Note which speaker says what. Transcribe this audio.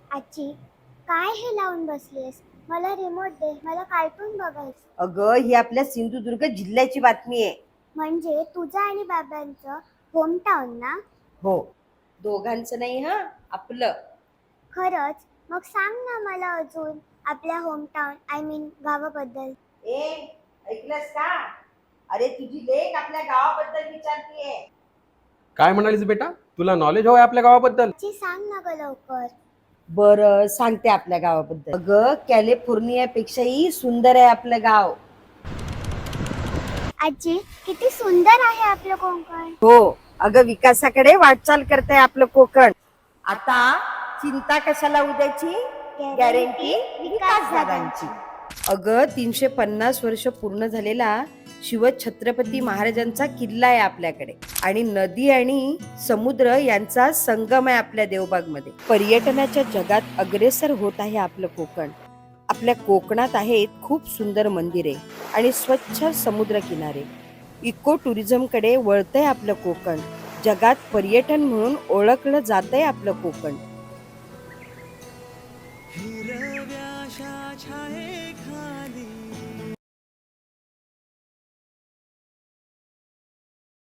Speaker 1: आजी, काय हे लावून बसलीस? मला रिमोट दे, मला कार्टून बघायचं.
Speaker 2: अगं, ही आपल्या सिंधुदुर्ग जिल्ह्याची बातमी आहे.
Speaker 1: म्हणजे तुझं आणि बाबांचं होमटाऊन ना?
Speaker 2: हो, दोघांचं नाही हा, आपलं.
Speaker 1: खरंच? मग सांग ना मला अजून आपल्या होमटाऊन आय मीन गावाबद्दल.
Speaker 2: ए, ऐकलंस का? अरे, तुझी लेक आपल्या गावाबद्दल विचारतीये.
Speaker 3: काय म्हणालीस बेटा, तुला नॉलेज हवंय आपल्या गावाबद्दल?
Speaker 1: आजी सांग ना ग लवकर.
Speaker 2: बरं, सांगते आपल्या गावाबद्दल. अगं, कॅलिफोर्नियापेक्षाही सुंदर आहे आपलं गाव.
Speaker 1: आजी, किती सुंदर आहे आपलं कोकण.
Speaker 2: हो, अगं विकासाकडे वाटचाल करते आपलं कोकण. आता चिंता कशाला उद्याची, गॅरंटी विकास दादांची. अगं, 350 वर्ष पूर्ण झालेला शिवछत्रपती महाराजांचा किल्ला आहे आपल्याकडे, आणि नदी आणि समुद्र यांचा संगम आहे आपल्या देवबाग मध्ये. पर्यटनाच्या जगात अग्रेसर होत आहे आपलं कोकण. आपल्या कोकणात आहेत खूप सुंदर मंदिरे आणि स्वच्छ समुद्र किनारे. इको टुरिझम कडे वळतंय आपलं कोकण. जगात पर्यटन म्हणून ओळखलं जातंय आपलं कोकण.
Speaker 4: हिरव्याशा छायेखाली